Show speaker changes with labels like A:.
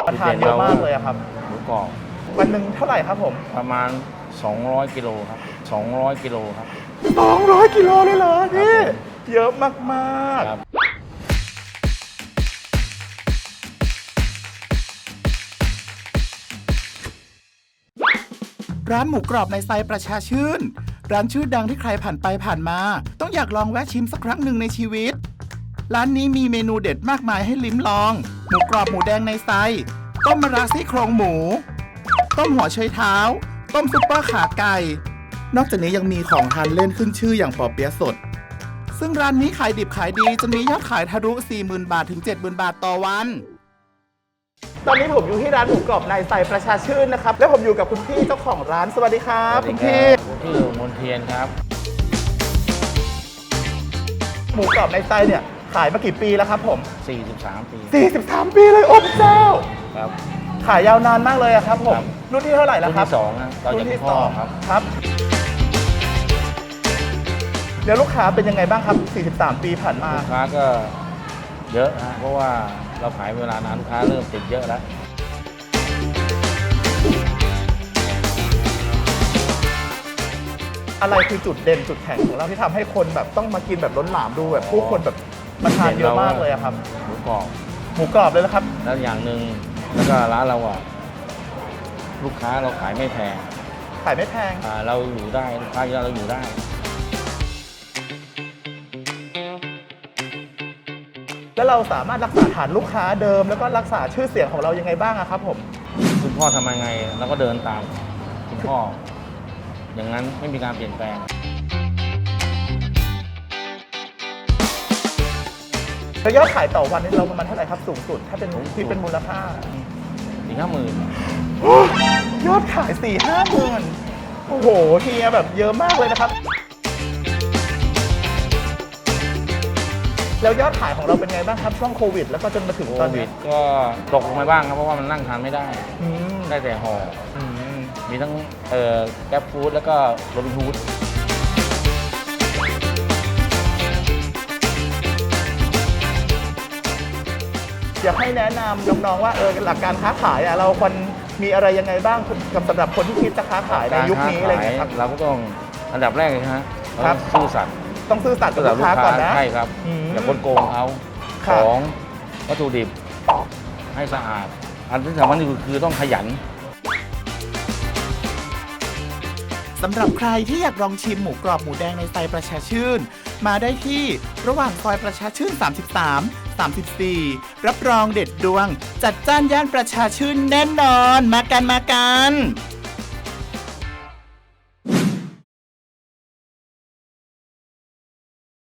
A: ทานเยอะมากเลยอะครับ
B: หมูกรอบ
A: วันหนึ่งเท่าไหร่ครับผม
B: ประมาณ200กิโลครับ200กิโลครับ
A: 200กิโลเลยเหรอพี่เยอะมาก
B: ครับ
C: ร้านหมูกรอบในไซประชาชื่นร้านชื่อดังที่ใครผ่านไปผ่านมาต้องอยากลองแวะชิมสักครั้งหนึ่งในชีวิตร้านนี้มีเมนูเด็ดมากมายให้ลิ้มลองหมูกรอบหมูแดงในไซต้มมะระซี่โครงหมูต้มหัวไชเท้าต้มซุปเปอร์ขาไก่นอกจากนี้ยังมีของทานเล่นขึ้นชื่ออย่างปอเปี๊ยะสดซึ่งร้านนี้ขายดิบขายดีจนมียอดขายทะลุ 40,000 บาทถึง 70,000 บาทต่อวัน
A: ตอนนี้ผมอยู่ที่ร้านหมูกรอบในไซประชาชื่นนะครับและผมอยู่กับคุณพี่เจ้าของร้านสวัสดีครับคุณพี่
B: ชื่อมนเทียนครับ
A: หมูกรอบในไซเนี่ยขายมากี่ปีแล้วครับผม
B: 43 ปี
A: 43 ปีเลยโอ้พระเจ้า
B: ครับ
A: ขายยาวนานมากเลยครับผมรุ่นที่เท่าไหร่แล้วครับ
B: รุ่นที่2นะ
A: รุ่นที่2ครับเดี๋ยวลูกค้าเป็นยังไงบ้างครับ43 ปีผ่านมา
B: ลูกค้าก็เยอะนะเพราะว่าเราขายเวลานานลูกค้าเริ่มติดเยอะแล้ว
A: อะไรคือจุดเด่นจุดแข็งของเราที่ทำให้คนแบบต้องมากินแบบล้นหลามดูแบบผู้คนแบบมาทานเยอะมากเลยครับ
B: หมูกรอบ
A: เลยนะครับ
B: แล้วอย่างหนึ่งแล้วก็ร้านเราอ่ะลูกค้าเราขายไม่แพงเราอยู่ได้ลูกค้าเยอะเราอยู่ได้
A: แล้วเราสามารถรักษาฐานลูกค้าเดิมแล้วก็รักษาชื่อเสียงของเรายังไงบ้างครับผม
B: คุณพ่อทำยังไงเราก็เดินตามคุณพ่ออย่างนั้นไม่มีการเปลี่ยนแปลง
A: แล้วยอดขายต่อวันนี้เราประมาณเท่าไหร่ครับสูงสุดถ้าเป็นที่เป็นมูลค่า
B: 4-50,000
A: ยอดขาย 4-5 หมื่นโอ้โหเฮียแบบเยอะมากเลยนะครับแล้วยอดขายของเราเป็นไงบ้างครับช่วงโควิดแล้วก็จนมาถึงตอนนี้
B: ก็ตกลงไปบ้างครับเพราะว่ามันนั่งทานไม่ได้ได้แต่ห่อมีทั้งแกร็บฟู้ดแล้วก็โรบินฮูด
A: อยากให้แนะนำน้องๆว่าหลักการค้าขายเราควรมีอะไรยังไงบ้างสำหรับคนที่คิดจะค้าขายในยุคนี้อะไรอย่างเงี้ยครับ
B: เราก็ต้องอันดับแรกเลยครับซื่อสัตย์
A: ต้องซื่อสัตย์กับลูกค้าก่อนนะ
B: ใช่ครับอย่าคนโกงเขาของวัตถุดิบให้สะอาดอันที่สำคัญที่สุดคือต้องขยัน
C: สำหรับใครที่อยากลองชิมหมูกรอบหมูแดงในไซประชาชื่นมาได้ที่ระหว่างซอยประชาชื่น33 34รับรองเด็ดดวงจัดจ้านย่านประชาชื่นแน่นอนมากัน